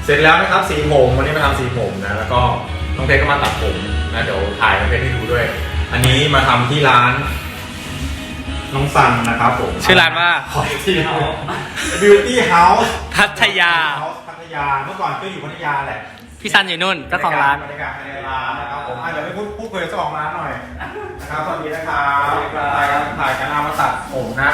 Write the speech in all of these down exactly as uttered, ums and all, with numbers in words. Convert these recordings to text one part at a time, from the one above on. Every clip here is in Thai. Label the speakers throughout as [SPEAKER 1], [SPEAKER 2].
[SPEAKER 1] เสร็จแล้วนะครับสีผมวันนี้มาทำสีผมนะแล้วก็น้องเพชรก็มาตัดผมนะเดี๋ยวถ่ายน้องเพชรให้ดูด้วยอันนี้มาทำที่ร้านน้องซันนะครับผม
[SPEAKER 2] ชื่อร้านว่า
[SPEAKER 1] Beauty House Beauty House
[SPEAKER 2] พัทยา
[SPEAKER 1] พัทยาเมื่อก่อนก็อยู่พัทยาแหละ
[SPEAKER 2] พี่ซันอยู่นู่นเจ้าของร้าน
[SPEAKER 1] บรรยากาศภายในร้านนะครับผมเดี๋ยวไปพูดพูดคุยกับเจ้าของร้านหน่อยนะครับสวัสดีนะครับถ่ายกันถ่ายกันเอามาตัดผมนะ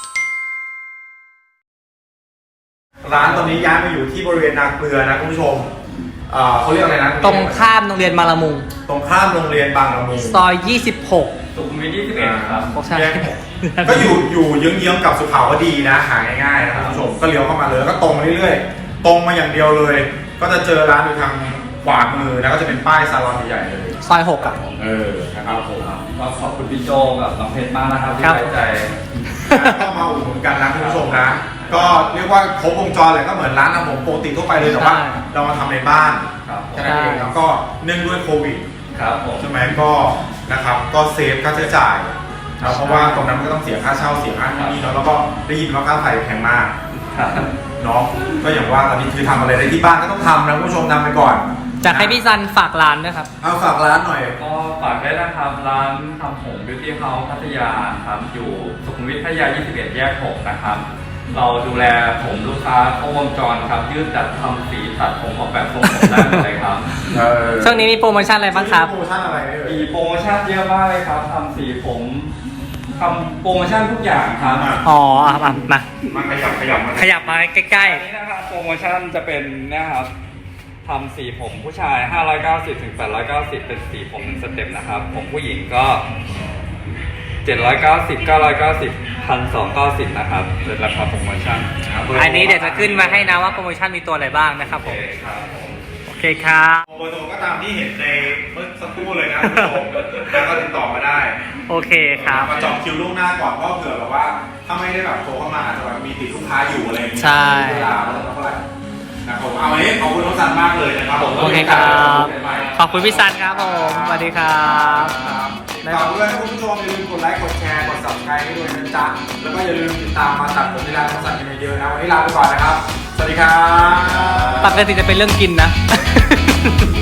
[SPEAKER 1] ร้านตอนนี้ย้ายมาอยู่ที่บริเวณนาเกลือนะคุณผู้ชมเอ่อเขาเรียกอะไรนะ
[SPEAKER 2] ตรงข้ามโรงเรียนบางละมุง
[SPEAKER 1] ตรงข้ามโรงเรียนบางละมุง
[SPEAKER 2] ซอยยี่สิบหก
[SPEAKER 3] สุขุมวิทยี่สิบเอ็ดครับ
[SPEAKER 2] ใช่
[SPEAKER 1] ก็อยู่อยู่เยื้องๆกับสุขาวดีนะหาง่ายๆนะคุณผู้ชมก็เลี้ยวเข้ามาเลยแล้วก็ตรงมาเรื่อยๆตรงมาอย่างเดียวเลยก็จะเจอร้านอยู่ทางขวามือนะก็จะเป็นป้ายซาลอนใหญ่ๆเลย
[SPEAKER 2] ซอยหกอ่ะ
[SPEAKER 1] เออนะครับผม
[SPEAKER 3] ก็ขอบคุณพี่โจกับน้องเพชรมากนะครับที่ไว้ใจ
[SPEAKER 1] ก็มาอุดหนุนกันนะคุณผู้ชมนะก็เรียกว่าครบวงจรเลยก็เหมือนร้านทำผมปกติทั่วไปเลยแต่ว่าเรามาทำในบ้านแค่นั้นเองแล้วก็เนื่องด้วยโควิด
[SPEAKER 3] ครับผม
[SPEAKER 1] ใช่ไหมก็นะครับก็เซฟค่าใช้จ่ายนะเพราะว่าตรงนั้นมันก็ต้องเสียค่าเช่าเสียค่าที่นี่เนาะแล้วก็ได้ยินว่าค่าไฟแพงมากเนาะก็อย่างว่าตอนนี้คือทำอะไรได้ที่บ้านก็ต้องทำนะคุณผู้ชมทำไปก่อน
[SPEAKER 2] จะให้พี่ซันฝากร้านด้วยครับ
[SPEAKER 1] เอาฝากร้านหน่อย
[SPEAKER 3] ก็ฝากได้นะครับร้านทำผม Beauty House พัทยาครับอยู่สุขุมวิทพัทยายี่สิบเอ็ดแยกหกนะครับเราดูแลผมลูกค้าครบวงจรครับยืดจัดทำสีตัดผมออกแบบทรงผมได้หมดเลยครับ
[SPEAKER 2] ช่วงนี้มีโปรโมชั่นอะไรบ้างครับ
[SPEAKER 1] โปรโมชั่นอะไร
[SPEAKER 3] มีโปรโมชั่นเยอะมากเลยครับทำสีผมทำโปรโมชั่นทุกอย่างครับ
[SPEAKER 2] อ๋อมามา
[SPEAKER 1] มาขยับขยับมา
[SPEAKER 2] ขยับมาใกล้
[SPEAKER 3] ๆนี่นะครับโปรโมชั่นจะเป็นนะครับทำสีผมผู้ชายห้าร้อยเก้าสิบถึงแปดร้อยเก้าสิบเป็นสีผมหนึ่งสเต็ปนะครับผมผู้หญิงก็เจ็ดร้อยเก้าสิบ เก้าร้อยเก้าสิบ หนึ่งพันสองร้อยเก้าสิบนะครับเป็นราคาโปรโมชั่น
[SPEAKER 2] อันนี้เดี๋ยวจะขึ้นมาให้นะว่าโปรโมชั่นมีตัวอะไรบ้างนะครับผมโอเคครับ
[SPEAKER 1] โปรโมชั่นก็ตามที่เห็นในเมื่อสักครู่เลยนะคุณผู้ชมแล้วก็ติดต่อมาได้
[SPEAKER 2] โอเคครับ
[SPEAKER 1] มาจองคิวล่วงหน้าก่อนเพราะเผื่อแบบว่าถ้าไม่ได้แบบโทรเข้ามาอาจจะแบบมีติดลูกค้าอยู่อะไรอย่างเงี้ย
[SPEAKER 2] ใช่
[SPEAKER 1] เวลาเท่าไหร่นะครับเอาไว้ขอบคุณน้องซันมากเลยนะครับผม
[SPEAKER 2] โอเคครับขอบคุณพี่ซันครับผมสวัสดีครับ
[SPEAKER 1] ฝากด้วยนะคุณผู้ชมอย่าลืมกดไลค์กดแชร์กด ซับสไครบ์ ให้ด้วยนะจ๊ะแล้วก็อย่าลืมติดตามมาตัดผมที่ร้านน้องซันกันเยอะๆนะวันนี้ลาไปก่อนนะครับสวัสดีครับ
[SPEAKER 2] ปกติจะเป็นเรื่องกินนะ